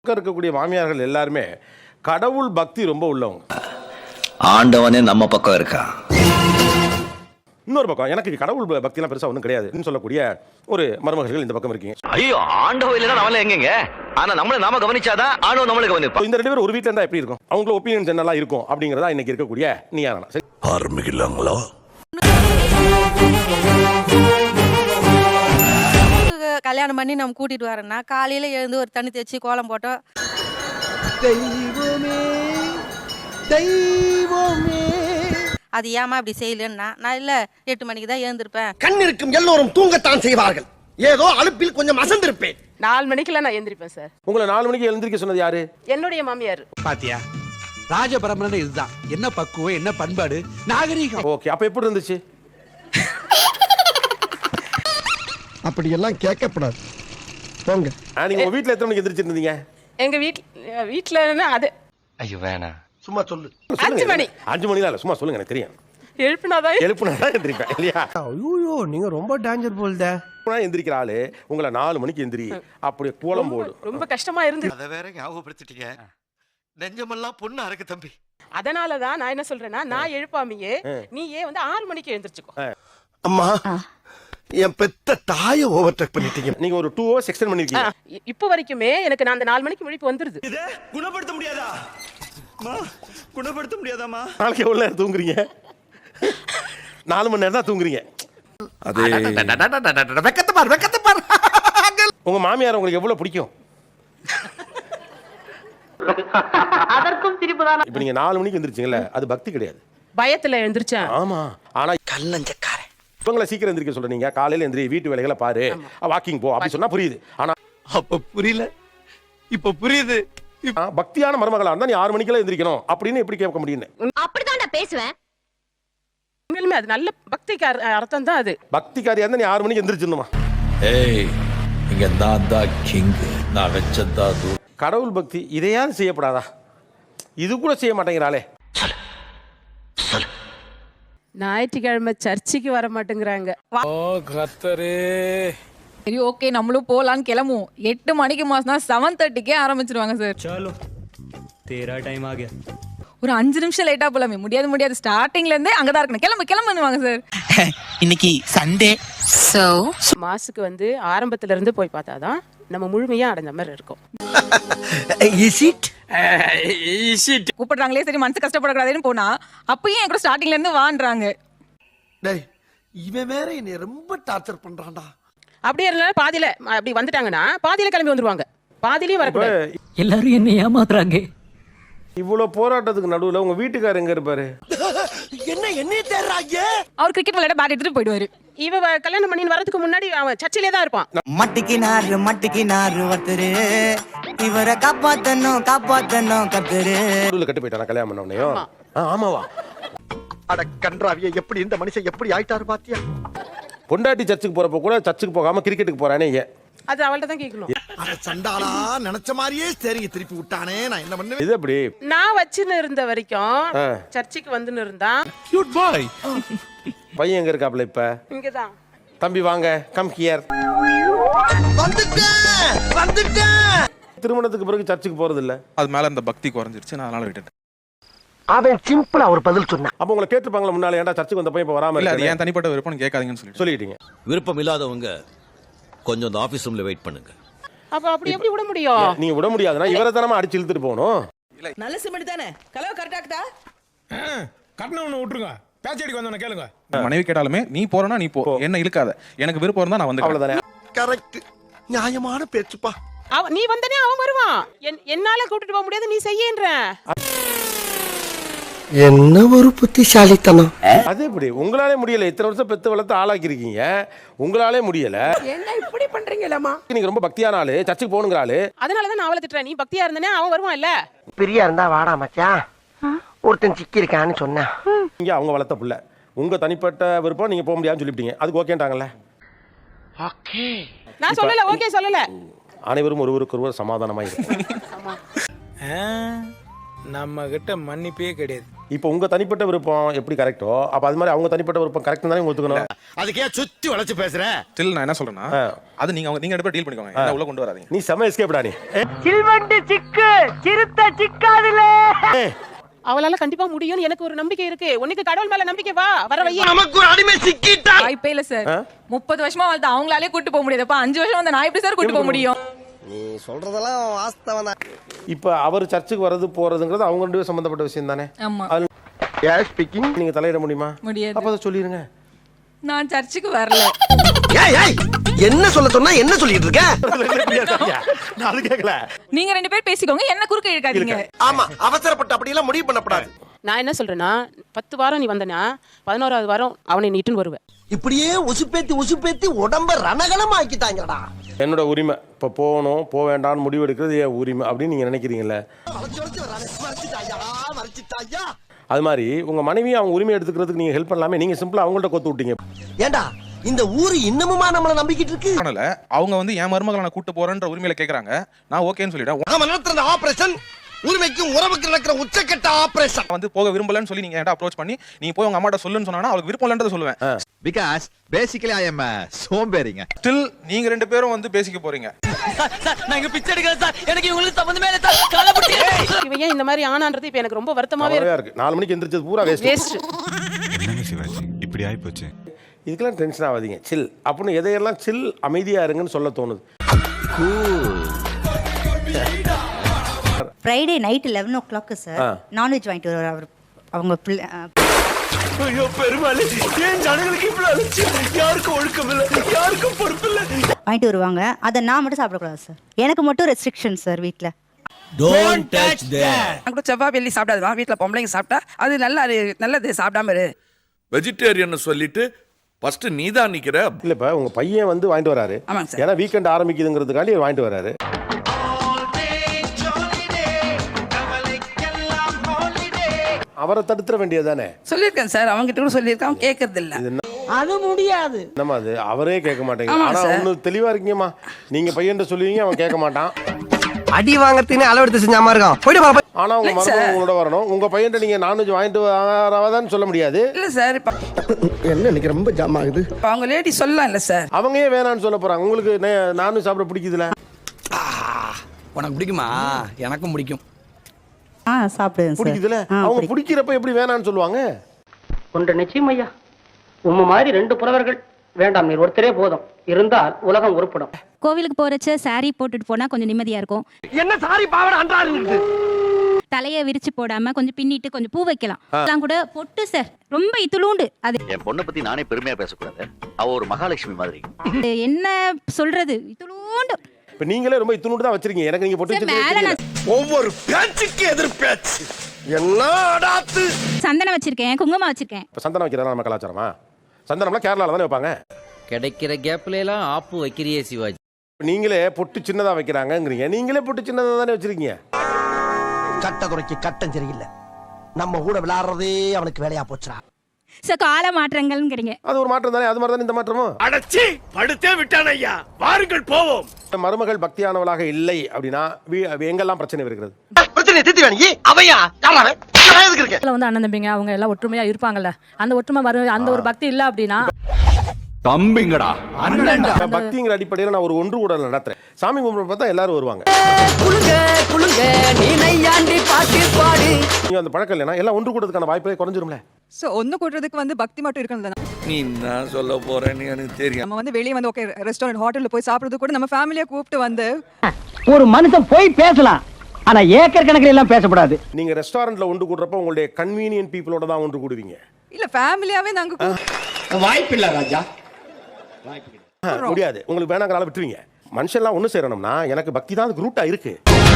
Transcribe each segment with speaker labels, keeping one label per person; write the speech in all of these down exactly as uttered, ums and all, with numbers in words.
Speaker 1: இருக்கக்கூடிய மாமியார்கள் எல்லாருமே கடவுள் பக்தி ரொம்ப உள்ளவங்க.
Speaker 2: ஆண்டவனே நம்ம பக்கம் இருக்கா.
Speaker 1: இன்னொரு பக்கம் எனக்கு கடவுள் பக்தி எல்லாம் பெருசா ஒன்றும் கிடையாதுன்னு சொல்லக்கூடிய ஒரு மருமகர்கள் இந்த பக்கம் இருக்கீங்க.
Speaker 2: ஐயோ ஆண்டவன் இல்லைன்னா நம்மள எங்கங்க, ஆனா நம்மள நாம கவனிச்சாதான் ஆண்டவன் நம்மள கவனிப்பா.
Speaker 1: இந்த ரெண்டு பேரும் ஒரு வீட்டில் இருந்தா எப்படி இருக்கும், அவங்களோட ஒப்பீனியன்ஸ் என்னெல்லாம் இருக்கும் அப்படிங்கிறதா இன்னைக்கு இருக்கக்கூடிய நீயானா.
Speaker 2: ஆரம்பிக்கலாங்களா?
Speaker 3: கல்யாணம் பண்ணி நம்ம கூட்டிட்டு வரோம்னா காலையில எழுந்து ஒரு தண்ணி தேய்ச்சி கோலம் போட்டோம்.
Speaker 4: தெய்வமே தெய்வமே
Speaker 3: அது ஏமா அப்படி செய்யலன்னா நான் இல்ல எட்டு மணிக்கு தான் எழுந்திருப்பேன்.
Speaker 4: கண் இருக்கும் எல்லோரும் தூங்கத்தான் செய்வார்கள். ஏதோ அலுப்பில் கொஞ்சம் அசந்திருப்பேன்.
Speaker 5: நாலு மணிக்கெல்லாம் நான் எந்திரிப்பேன் சார்.
Speaker 1: உங்களை நாலு மணிக்கு எழுந்திருக்க சொன்னது யாரு?
Speaker 5: என்னுடைய மாமியார்.
Speaker 6: பாத்தியா, ராஜபரம்பரை இதுதான். என்ன பக்குவம், என்ன பண்பாடு, நாகரீகம்.
Speaker 1: ஓகே, அப்ப எப்படி இருந்துச்சு?
Speaker 4: அப்படி எல்லாம் கேட்கப்படாது. போங்க.
Speaker 1: நீங்க உங்க வீட்டுல எத்தனை மணிக்கு எந்திரிச்சிருந்தீங்க?
Speaker 5: எங்க வீட்ல வீட்டுல அது
Speaker 2: ஐயோ வேணாம்,
Speaker 4: சும்மா சொல்லு.
Speaker 5: அஞ்சு மணி.
Speaker 1: அஞ்சு மணி தான் இல்ல, சும்மா சொல்லுங்க, எனக்கு தெரியும்.
Speaker 5: எழுப்பினாதான்
Speaker 1: எழுப்புனாதான் எந்திரிப்பேன் இல்லையா?
Speaker 4: ஐயோ, நீங்க ரொம்ப டேஞ்சர் போல்த.
Speaker 1: எந்திரிக்கிற ஆளு உங்களை நாலு மணிக்கு எந்திரி அப்படியே கோலம் போடு.
Speaker 5: ரொம்ப கஷ்டமா இருந்து.
Speaker 7: அத வேற ஞாபகப்படுத்திட்டீங்க. நெஞ்சமெல்லாம் பொண்ணு அறக்கு தம்பி.
Speaker 5: அதனாலதான் நான் என்ன சொல்றேன்னா, நான் எழுப்பாமையே நீ ஏன் வந்து ஆறு மணிக்கு எழுந்திரிச்சுக்கோ.
Speaker 4: அம்மா, என் பெத்த தாயை ஓவர்டேக் பண்ணிட்டீங்க.
Speaker 1: நீங்க ஒரு டூ ஹவர்ஸ் எக்ஸ்டெண்ட் பண்ணிருக்கீங்க.
Speaker 5: இப்போ வரைக்குமே எனக்கு நான் அந்த நாலு மணிக்கு முழிப்பு வந்துருது.
Speaker 7: இத குணப்படுத்த முடியாதா? மா, குணப்படுத்த முடியாதாமா?
Speaker 1: நாளைக்கு எவ்வளவு நேரம் தூங்குறீங்க? நாலு மணி நேரம் தான் தூங்குறீங்க. அது
Speaker 6: வெக்கத்தை பார், வெக்கத்தை பார்.
Speaker 1: உங்க மாமியார் உங்களுக்கு எவ்வளவு பிடிக்கும்?
Speaker 5: அதற்கும் சிரிப்பு தான்.
Speaker 1: இப்ப நீங்க நாலு மணிக்கு எந்திரிச்சீங்கல்ல, அது பக்தி கிடையாது,
Speaker 5: பயத்துல எழுந்திருச்சேன்.
Speaker 1: ஆமா. ஆனா
Speaker 4: கல்லஞ்சக்காரன்
Speaker 1: இவங்களை சீக்கிரம் எந்திரிக்க சொல்றீங்க. காலையில எந்திரி, வீட்டு வேலைகளை பாரு, வாக்கிங் போ அப்படி சொன்னா புரியுது. ஆனா
Speaker 6: அப்ப புரியல, இப்ப புரியுது.
Speaker 1: பக்தியான மருமகளா இருந்தா நீ ஆறு மணிக்கெல்லாம் எந்திரிக்கணும் அப்படின்னு எப்படி கேட்க முடியும்?
Speaker 3: அப்படிதான் நான் பேசுவேன்.
Speaker 5: உண்மையிலுமே அது நல்ல பக்திக்கு அர்த்தம் தான். அது
Speaker 1: பக்திக்காரியா இருந்தா நீ ஆறு மணிக்கு எந்திரிச்சிடணுமா?
Speaker 2: ஏய், இங்க நான் தான் கிங், நான் வச்சதா.
Speaker 1: கடவுள் பக்தி இதையாவது செய்யப்படாதா? இது கூட செய்ய மாட்டேங்கிறாளே.
Speaker 5: ஞாயிற்றுக்கிழமை சர்ச்சுக்கு வர மாட்டேங்கிறாங்க.
Speaker 8: சரி, ஓகே, நம்மளும் போலான்னு கிளம்புவோம். எட்டு மணிக்கு மாசம்னா செவன் தேர்ட்டிக்கே ஆரம்பிச்சிருவாங்க சார்.
Speaker 9: चलो तेरा टाइम आ गया.
Speaker 8: ஒரு அஞ்சு நிமிஷம் லேட்டா போலாமே. முடியாது முடியாது, ஸ்டார்டிங்ல இருந்தே அங்கதான் இருக்கணும், கிளம்பு கிளம்புவாங்க சார்.
Speaker 6: இன்னைக்கு சண்டே.
Speaker 8: சோ
Speaker 5: மாசுக்கு வந்து ஆரம்பத்துல இருந்து போய் பார்த்தாதான் நம்ம முழுமையா அடைஞ்ச மாதிரி இருக்கும்.
Speaker 4: இஸ் இட்
Speaker 6: இஸ் இட்
Speaker 8: கூப்பிடுறாங்களே, சரி மனசு கஷ்டப்படக்கூடாதுன்னு போனா அப்பயும் என் கூட ஸ்டார்டிங்ல இருந்து வான்றாங்க.
Speaker 4: டேய், இவன் வேற என்னை ரொம்ப டார்ச்சர் பண்றான்டா.
Speaker 5: அப்படியே இருந்தாலும் பாதியில அப்படி வந்துட்டாங்கன்னா பாதியில கிளம்பி வந்துருவாங்க. பாதியிலயும் வரக்கூடாது.
Speaker 9: எல்லாரும் என்ன ஏமாத்துறாங்க.
Speaker 1: இவ்வளவு போராட்டத்துக்கு நடுவுல உங்க வீட்டுக்காரர் எங்க இருப்பாரு?
Speaker 4: என்ன என்னைய தேடுறாங்க?
Speaker 8: அவர் கிரிக்கெட் விளையாட பேட் எடுத்துட்டு போயிடுவாரு.
Speaker 5: இவ கல்யாணம் பண்ணி வரதுக்கு முன்னாடி அவன் சர்ச்சிலே தான் இருப்பான்.
Speaker 10: மட்டிக்கு நாரு மட்டிக்கு நாரு ஒருத்தரு இவரை காப்பாத்தணும் காப்பாத்தணும் கத்துரு.
Speaker 1: கட்டு போயிட்டானா கல்யாணம் பண்ண உடனேயும்? ஆமாவா?
Speaker 4: அட கன்றாவிய, எப்படி இந்த மனுஷன் எப்படி ஆயிட்டாரு பாத்தியா?
Speaker 1: பொண்டாட்டி சர்ச்சுக்கு போறப்ப கூட சர்ச்சுக்கு போகாம கிரிக்கெட்டுக்கு போறானே ஏன்?
Speaker 5: அது அவள்கிட்ட தான் கேட்கணும்.
Speaker 4: அட சண்டாளா, நினைச்ச மாதிரியே சரிங்க திருப்பி விட்டானே, நான் என்ன பண்ணுவேன்?
Speaker 1: இது அப்படி
Speaker 5: நான் வச்சுன்னு இருந்த வரைக்கும் சர்ச்சுக்கு வந்துன்னு இருந்தா.
Speaker 6: Cute boy.
Speaker 1: பையன் எங்க இருக்காப்ல இப்ப?
Speaker 5: இங்கதான்.
Speaker 1: தம்பி வாங்க, கம் ஹியர்.
Speaker 4: வந்துட்டேன் வந்துட்டேன்.
Speaker 1: திருமணத்துக்கு பிறகு சர்ச்சுக்கு போறது இல்ல.
Speaker 6: அது மேல அந்த பக்தி குறைஞ்சிருச்சு, நான் அதனால விட்டுட்டேன்.
Speaker 4: அவன் சிம்பிளா ஒரு பதில் சொன்னான்.
Speaker 1: அப்ப உங்களை கேட்டுப்பாங்களா முன்னால, ஏன்டா சர்ச்சுக்கு வந்த பையன் இப்ப வராம
Speaker 6: இல்ல, அது
Speaker 1: இருக்கானே?
Speaker 6: ஏன் தனிப்பட்ட விருப்பம் கேட்காதீங்கன்னு சொல்லி
Speaker 1: சொல்லிட்டீங்க.
Speaker 2: விருப்பம் இல்லாதவங்க கொஞ்சம் அந்த ஆபீஸ் ரூம்ல வெயிட் பண்ணுங்க.
Speaker 5: அப்ப அப்படி எப்படி விட முடியும்?
Speaker 1: நீங்க விட முடியாதுன்னா இவரை தானமா அடிச்சு இழுத்துட்டு போகணும்.
Speaker 10: நல்ல சிமெண்ட் தானே, கலவை கரெக்டா இருக்குதா?
Speaker 11: கட்டணம் ஒன்று விட்டுருங்க, பேச்சடிக்கு வந்தவன கேளுங்க.
Speaker 6: மனைவி கேட்டாலுமே நீ போறனா நீ போ, என்ன இழுக்காத, எனக்கு விருப்பம் இருந்தா நான் வந்து.
Speaker 1: அவ்வளவுதானே.
Speaker 4: கரெக்ட், நியாயமான பேச்சுப்பா.
Speaker 5: அவ நீ வந்தனே அவன் வருவான். என்னால கூட்டிட்டு போக முடியாது, நீ செய்யன்ற.
Speaker 4: என்ன ஒரு புத்திசாலித்தனம்.
Speaker 1: அது எப்படி உங்களாலே முடியல? இத்தனை வருஷம் பெத்து வளர்த்து ஆளாக்கி இருக்கீங்க, உங்களாலே முடியல.
Speaker 10: என்ன இப்படி பண்றீங்களா?
Speaker 1: நீங்க ரொம்ப பக்தியான ஆளு, சர்ச்சுக்கு போகணுங்கிற ஆளு.
Speaker 5: அதனாலதான் நான் அவளை திட்டுறேன். நீ பக்தியா இருந்தனே அவன் வருவான் இல்ல.
Speaker 4: பிரியா இருந்தா வாடா மச்சான், ஒருத்தன் சிக்கி இருக்கான்னு சொன்னா.
Speaker 1: நீங்க அவங்க வளர்த்த புள்ள, உங்க தனிப்பட்ட விருப்பம், நீங்க போக முடியாதுன்னு சொல்லிட்டீங்க, அதுக்கு ஓகேன்ட்டாங்கல்ல?
Speaker 4: ஓகே,
Speaker 5: நான் சொல்லல, ஓகே சொல்லல.
Speaker 1: அனைவரும் ஒருவருக்கு ஒருவர் சமாதானமா இருக்கும்.
Speaker 11: நம்ம கிட்ட மன்னிப்பே கிடையாது.
Speaker 1: இப்போ உங்க தனிப்பட்ட விருப்பம் எப்படி கரெக்டோ அப்ப அது மாதிரி அவங்க தனிப்பட்ட விருப்பம் கரெக்ட் தானே ஒத்துக்கணும்.
Speaker 4: அதுக்கே சுத்தி வளைச்சு பேசுற.
Speaker 11: ஸ்டில் நான் என்ன சொல்றேன்னா அது நீங்க அவங்க நீங்க ரெண்டு பேரும் டீல் பண்ணிக்கோங்க. என்ன உள்ள கொண்டு வராதீங்க.
Speaker 1: நீ செம எஸ்கேப்டா நீ.
Speaker 10: சில்வண்டு சிக்கு சிறுத்த சிக்காதுல.
Speaker 5: அவளால கண்டிப்பா முடியும்னு எனக்கு ஒரு நம்பிக்கை இருக்கு. உனக்கு கடவுள் மேல நம்பிக்கை வா வர வையே.
Speaker 4: நமக்கு ஒரு அடிமை சிக்கிட்டா.
Speaker 8: வாய்ப்பே இல்ல சார். முப்பது வருஷமா வளர்த்து அவங்களாலே கூட்டு போக முடியாது. அப்ப அஞ்சு வருஷம் வந்து நான் எப்படி சார் கூட்டு போக முடியும்?
Speaker 4: நீ சொல்றதெல்லாம் வாஸ்தவம் தான்.
Speaker 1: இப்போ அவர் சர்ச்சுக்கு வரது போறதுங்கிறது அவங்க ரெண்டு பேரும் சம்பந்தப்பட்ட விஷயம் தானே.
Speaker 8: ஆமா.
Speaker 4: யார் ஸ்பீக்கிங்?
Speaker 1: நீங்க தலையிட முடியுமா?
Speaker 8: முடியாது.
Speaker 1: அப்ப அதை சொல்லிருங்க.
Speaker 8: நான் சர்ச்சுக்கு வரல.
Speaker 4: ஏய் ஏய் என்ன சொல்ல சொன்னா என்ன சொல்லிட்டு இருக்க?
Speaker 1: நான் அது கேட்கல.
Speaker 8: நீங்க ரெண்டு பேர் பேசிக்கோங்க, என்ன குறுக்க இழுக்காதீங்க.
Speaker 4: ஆமா அவசரப்பட்டு அப்படி எல்லாம் முடிவு பண்ணப்படாது.
Speaker 5: நான் என்ன சொல்றேன்னா பத்து வாரம் நீ வந்தனா பதினோராவது வாரம் அவனை நீட்டுன்னு வருவேன்.
Speaker 4: இப்படியே உசுப்பேத்தி உசுப்பேத்தி உடம்ப ரணகலம் ஆக்கிட்டாங்கடா.
Speaker 1: என்னோட உரிமை இப்போ போகணும் போக வேண்டாம்னு முடிவு எடுக்கிறது என் உரிமை அப்படின்னு நீங்க நினைக்கிறீங்கல்ல. அது மாதிரி உங்க மனைவி அவங்க உரிமை எடுத்துக்கிறதுக்கு நீங்க ஹெல்ப் பண்ணலாமே. நீங்க சிம்பிளா அவங்கள்ட்ட கொத்து விட்டீங்க.
Speaker 4: ஏண்டா இந்த ஊரு இன்னமுமா நம்மள நம்பிக்கிட்டு இருக்கு?
Speaker 11: அதனால அவங்க வந்து என் மருமகளை நான் கூட்டு போறேன்ற உரிமையில கேக்குறாங்க. நான் ஓகேன்னு சொல்லிட்டேன்.
Speaker 4: நாம நடத்துற ஆபரேஷன் உரிமைக்கும் உறவுக்கு நடக்கிற உச்சக்கட்ட ஆபரேஷன்.
Speaker 11: வந்து போக விரும்பலன்னு சொல்லி நீங்க என்கிட்ட அப்ரோச் பண்ணி நீ போய் உங்க அம்மாட்ட சொல்லுன்னு சொன்னா அவளுக்கு விருப்பம் இல்லன்றத சொல்லுவேன்.
Speaker 2: பிகாஸ் பேசிக்கலி ஐ அம் சோம்பேறிங்க.
Speaker 11: ஸ்டில் நீங்க ரெண்டு பேரும் வந்து பேசிக்க போறீங்க.
Speaker 10: நான் இங்க பிச்சை எடுக்கிறேன் சார். எனக்கு இவங்களுக்கு சம்பந்தமே இல்ல சார். கலபுட்டி.
Speaker 5: இவன் ஏன் இந்த மாதிரி ஆனான்றது இப்ப எனக்கு ரொம்ப வருத்தமாவே
Speaker 1: இருக்கு. நாலு மணிக்கு எந்திரிச்சது பூரா வேஸ்ட்.
Speaker 5: வேஸ்ட்.
Speaker 7: என்னங்க சிவாஜி இப்படி ஆயி போச்சு.
Speaker 1: இதுக்கெல்லாம் டென்ஷன் ஆகாதீங்க. சில் அப்படின்னு எதையெல்லாம் சில் அமைதியா இருங்கன்னு சொல்ல தோணுது.
Speaker 3: Friday night eleven o'clock sir non veg வாங்கிட்டு வருவார் அவர். அவங்க பிள்ளை
Speaker 4: ஐயோ பெருமாளே ஏன் ஜனங்களுக்கு இவ்வளவு அலட்சி? யாருக்கும் ஒழுக்கம் இல்ல, யாருக்கும் பொறுப்பு இல்ல.
Speaker 3: வாங்கிட்டு வருவாங்க. அதை நான் மட்டும் சாப்பிடக்கூடாது சார். எனக்கு மட்டும் ரெஸ்ட்ரிக்ஷன் சார் வீட்டில்.
Speaker 4: Don't touch that.
Speaker 5: நான் கூட செவ்வாய் வெள்ளி சாப்பிடாதமா வீட்ல பொம்பளைங்க சாப்பிட்டா அது நல்லா நல்லது சாப்பிடாம இரு.
Speaker 7: வெஜிடேரியன் சொல்லிட்டு ஃபர்ஸ்ட் நீ தான் நிக்கிற.
Speaker 1: இல்ல இப்ப உங்க பையன் வந்து வாங்கிட்டு வராரு. ஏன்னா வீக்கெண்ட் ஆரம்பிக்குதுங்கிறதுக்காண்டி வாங்கிட்டு வராரு. அவரை தடுத்துற வேண்டியது தானே.
Speaker 5: சொல்லியிருக்கேன் சார். அவங்க கிட்ட கூட சொல்லியிருக்கேன். கேட்கறது இல்ல.
Speaker 10: அது முடியாது.
Speaker 1: என்னமா அது அவரே கேட்க மாட்டேங்க. ஆனா ஒண்ணு தெளிவா இருக்கீங்கம்மா. நீங்க பையன் சொல்லுவீங்க அவன் கேட்க மாட்டான்.
Speaker 4: அடி வாங்கறதுன்னு அளவெடுத்து செஞ்ச மாதிரி இருக்கும். போய்டு பாப்பா.
Speaker 1: ஆனா உங்க மருமகன் உங்களோட வரணும். உங்க பையன் நீங்க நான்வெஜ் வாங்கிட்டு வராதான்னு சொல்ல முடியாது.
Speaker 5: இல்ல சார்.
Speaker 4: என்ன இன்னைக்கு ரொம்ப ஜாம் ஆகுது.
Speaker 5: அவங்க லேடி சொல்லலாம் இல்ல சார்.
Speaker 1: அவங்க ஏன் வேணான்னு சொல்ல போறாங்க? உங்களுக்கு நான்வெஜ் சாப்பிட பிடிக்குதுல?
Speaker 6: உனக்கு பிடிக்குமா? எனக்கும் பிடிக்கும்.
Speaker 3: ஆ சாப்பிடுவேன் சார்.
Speaker 1: பிடிக்குதுல? அவங்க பிடிக்கிறப்ப எப்படி வேணான்னு சொல்லுவாங்க?
Speaker 10: ஒன்று நிச்சயம் ஐயா. உம்ம மாதிரி ரெண்டு புலவர்கள் வேண்டாம், நீர் ஒருத்தரே போதும். இருந்தால் உலகம் உருப்படும்.
Speaker 3: கோவிலுக்கு போறச்ச சாரி போட்டுட்டு போனா கொஞ்சம் நிம்மதியா இருக்கும்.
Speaker 4: என்ன சாரி பாவட அன்றாரு.
Speaker 3: தலையை விரிச்சு போடாம கொஞ்சம் பின்னிட்டு கொஞ்சம் பூ வைக்கலாம். அதெல்லாம் கூட பொட்டு சார் ரொம்ப இத்துளூண்டு. அது
Speaker 2: என் பொண்ணை பத்தி நானே பெருமையா பேசக்கூடாது. அவ ஒரு மகாலட்சுமி மாதிரி.
Speaker 3: என்ன சொல்றது இத்துளூண்டு.
Speaker 1: இப்ப நீங்களே ரொம்ப இத்துணூண்டு தான் வச்சிருக்கீங்க. எனக்கு நீங்க பொட்டு வச்சிருக்கீங்க.
Speaker 4: ஒவ்வொரு பேச்சுக்கு எதிர் பேச்சு. என்ன அடாத்து.
Speaker 3: சந்தனம் வச்சிருக்கேன், குங்குமம் வச்சிருக்கேன்.
Speaker 1: இப்ப சந்தனம் வைக்கிறதா நம்ம கலாச்சாரமா? சந்தனம்லாம் கேரளால தானே வைப்பாங்க.
Speaker 9: கிடைக்கிற கேப்ல எல்லாம் ஆப்பு வைக்கிறியே சிவாஜி.
Speaker 1: நீங்களே பொட்டு சின்னதா வைக்கிறாங்கங்கிறீங்க. நீங்களே பொட்டு சின்னதா தானே வச்சிருக்கீங்க.
Speaker 4: கட்ட குறைக்கு கட்டம் சரியில்லை. நம்ம கூட விளையாடுறதே அவனுக்கு வேலையா போச்சுடா.
Speaker 3: சோ கால மாற்றங்கள்ங்கறீங்க.
Speaker 1: அது ஒரு மாற்றம் தானே. அது மாதிரி தானே இந்த மாற்றமும்.
Speaker 4: அடச்சி படுத்தே விட்டான் ஐயா. வாருங்கள் போவோம்.
Speaker 1: மருமகள் பக்தியானவளாக இல்லை அப்படின்னா எங்கெல்லாம் பிரச்சனை இருக்கிறது?
Speaker 4: பிரச்சனை தீர்த்து வேணி அவையா யாராவே எதுக்கு இருக்கு?
Speaker 8: வந்து அண்ணன் தம்பிங்க அவங்க எல்லாம் ஒற்றுமையா இருப்பாங்கல்ல. அந்த ஒற்றுமை வரும். அந்த ஒரு பக்தி இல்ல அப்படின்னா
Speaker 7: தம்பிங்கடா அண்ணன்டா.
Speaker 1: பக்திங்கிற அடிப்படையில் நான் ஒரு ஒன்று கூடல் நடத்துறேன். சாமி கும்பிட பார்த்தா எல்லாரும் வருவாங்க.
Speaker 10: குளுங்க குளுங்க நீ நையாண்டி பாட்டு பாடு.
Speaker 1: நீங்க அந்த பழக்கம் இல்லைன்னா எல்லாம் ஒன்று கூடதுக்கான வாய்ப்பே குறைஞ்சிரும்ல.
Speaker 8: சோ ஒன்னு கூட்டுறதுக்கு வந்து பக்தி மட்டும் இருக்கணும்.
Speaker 7: நீ என்ன சொல்ல போறேன்னு எனக்கு தெரியும்.
Speaker 8: நம்ம வந்து வெளியே வந்து ஓகே ரெஸ்டாரண்ட் ஹோட்டல்ல போய் சாப்பிடுறது கூட நம்ம ஃபேமிலியை கூப்பிட்டு வந்து
Speaker 10: ஒரு மனுஷன் போய் பேசலாம். ஆனா ஏக்கர் கணக்கில் எல்லாம் பேசக்கூடாது.
Speaker 1: நீங்க ரெஸ்டாரண்ட்ல ஒன்று கூடுறப்ப உங்களுடைய கன்வீனியன்ட் பீப்புளோட தான் ஒன்று கூடுவீங்க.
Speaker 8: இல்ல ஃபேமிலியாவே நாங்க
Speaker 4: வாய்ப்பு இல்ல ராஜா.
Speaker 1: முடியாது. உங்களுக்கு வேணாங்கனால விட்டுருவீங்க. மனுஷன்லாம் ஒன்று சேரணும்னா எனக்கு பக்தி தான் அதுக்கு ரூட்டா இருக்கு.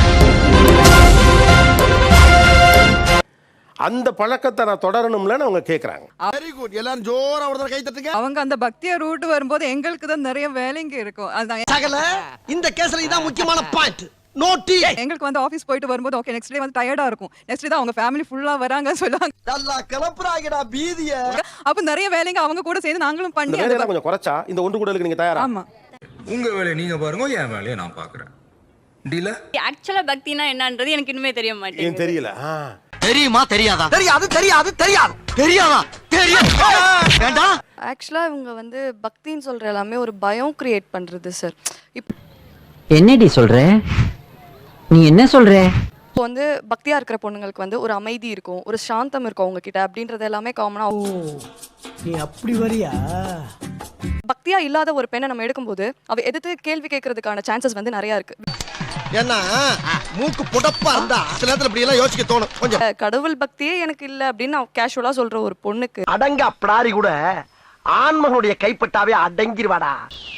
Speaker 1: அந்த பழக்கத்தை நான் தொடரணும்லன்னு அவங்க கேட்கறாங்க.
Speaker 4: Very good. எல்லாரும் ஜோரா ஒரு கை தட்டுங்க.
Speaker 8: அவங்க அந்த பக்திய ரூட் வரும்போது எங்களுக்கு தான் நிறைய வேலைங்க இருக்கும். அதுதான்
Speaker 4: சகல இந்த கேஸ்ல இதான் முக்கியமான பாயிண்ட். நோட்டி.
Speaker 8: எங்களுக்கு வந்து ஆபீஸ் போயிட்டு வரும்போது ஓகே நெக்ஸ்ட் டே வந்து டயர்டா இருக்கும். நெக்ஸ்ட் டே தான் அவங்க ஃபேமிலி ஃபுல்லா வராங்க சொல்லுவாங்க.
Speaker 4: நல்லா கிளப்புறாங்கடா பீதிய.
Speaker 8: அப்ப நிறைய வேலைங்க அவங்க கூட சேர்ந்து நாங்களும் பண்ணி
Speaker 1: அந்த வேலையெல்லாம் கொஞ்சம் குறைச்சா இந்த ஒன்று கூடலுக்கு நீங்க தயாரா?
Speaker 8: ஆமா.
Speaker 11: உங்க வேலையை நீங்க பாருங்க, என் வேலையை நான் பாக்குறேன். டீல
Speaker 3: ஆக்சுவலா பக்தினா என்னன்றது எனக்கு இன்னுமே தெரிய மாட்டேங்குது.
Speaker 1: தெரியல.
Speaker 2: தெரியுமா தெரியாதா தெரியாது தெரியாது தெரியாது தெரியாதா தெரியும் வேண்டாம்.
Speaker 8: ஆக்சுவலா இவங்க வந்து பக்தின்னு சொல்ற எல்லாமே ஒரு பயம் கிரியேட் பண்றது சார். இப்போ
Speaker 9: என்னடி சொல்ற நீ என்ன சொல்ற
Speaker 8: வந்து பக்தியா இருக்கிற பொண்ணுங்களுக்கு வந்து ஒரு அமைதி இருக்கும், ஒரு சாந்தம் இருக்கும் அவங்க கிட்ட அப்படின்றது எல்லாமே காமனா.
Speaker 4: நீ அப்படி வரியா?
Speaker 8: பக்தியா இல்லாத ஒரு பெண்ணை நம்ம எடுக்கும்போது அவ எதிர்த்து கேள்வி கேட்கறதுக்கான சான்சஸ் வந்து நிறைய இருக்கு.
Speaker 2: ஏன்னா மூக்கு புடப்பா இருந்தா சில நேரத்துல இப்படி எல்லாம் யோசிக்க தோணும் கொஞ்சம்.
Speaker 8: கடவுள் பக்தியே எனக்கு இல்ல அப்படின்னு கேஷுவலா சொல்ற ஒரு பொண்ணுக்கு
Speaker 2: அடங்க அப்படாரி கூட ஆண்மகனுடைய கைப்பட்டாவே அடங்கிருவாடா.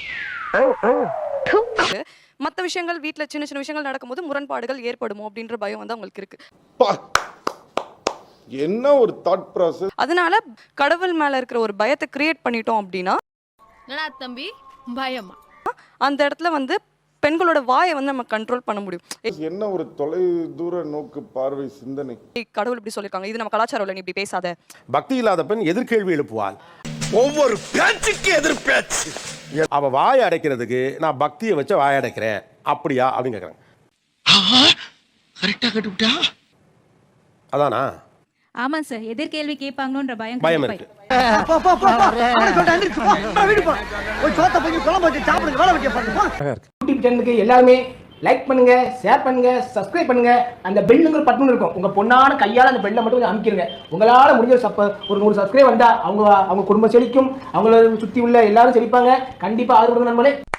Speaker 8: மற்ற விஷயங்கள் வீட்டுல சின்ன சின்ன விஷயங்கள் நடக்கும்போது முரண்பாடுகள் ஏற்படுமோ அப்படின்ற பயம் வந்து அவங்களுக்கு இருக்கு.
Speaker 11: என்ன ஒரு தாட் ப்ராசஸ்.
Speaker 8: அதனால கடவுள் மேல இருக்கிற ஒரு பயத்தை கிரியேட் பண்ணிட்டோம் அப்படின்னா
Speaker 3: தம்பி பயமா
Speaker 8: அந்த இடத்துல வந்து பெண்களோட வாயை வந்து நம்ம கண்ட்ரோல் பண்ண முடியும்.
Speaker 11: என்ன ஒரு தொலை தூர நோக்கு பார்வை சிந்தனை.
Speaker 8: கடவுள் இப்படி சொல்லிருக்காங்க, இது நம்ம கலாச்சாரம் இல்ல, நீ இப்படி பேசாத.
Speaker 1: பக்தி இல்லாத பெண் எதிர்கேள்வி எழுப்புவாள்.
Speaker 2: ஒவ்வொரு பேச்சுக்கு எதிர் பேச்சு.
Speaker 1: அவ வாயை அடைக்கிறதுக்கு நான் பக்தியை வச்ச வாயை அடைக்கிறேன் அப்படியா அப்படின்னு கேக்குறாங்க.
Speaker 2: கரெக்டா கட்டுப்பிட்டா
Speaker 1: அதானா?
Speaker 3: ஆமா சார், எதிர்கேள்வி கேட்பாங்களோன்ற பயம்
Speaker 1: பயம் இருக்கு.
Speaker 10: யூடியூப் சேனலுக்கு எல்லாருமே லைக் பண்ணுங்க, ஷேர் பண்ணுங்க, சப்ஸ்கிரைப் பண்ணுங்க. அந்த பெல்லுங்கிற பட்டன் இருக்கும், உங்க பொண்ணான கையால அந்த பெல்லை மட்டும் கொஞ்சம் அமுக்கிடுங்க. உங்களால முடிஞ்ச சப்ப ஒரு நூறு சப்ஸ்கிரைப் வந்தா அவங்க அவங்க குடும்பம் செழிக்கும், அவங்கள சுத்தி உள்ள எல்லாரும் செழிப்பாங்க. கண்டிப்பா ஆதரவு கொடுங்க நண்பர்களே.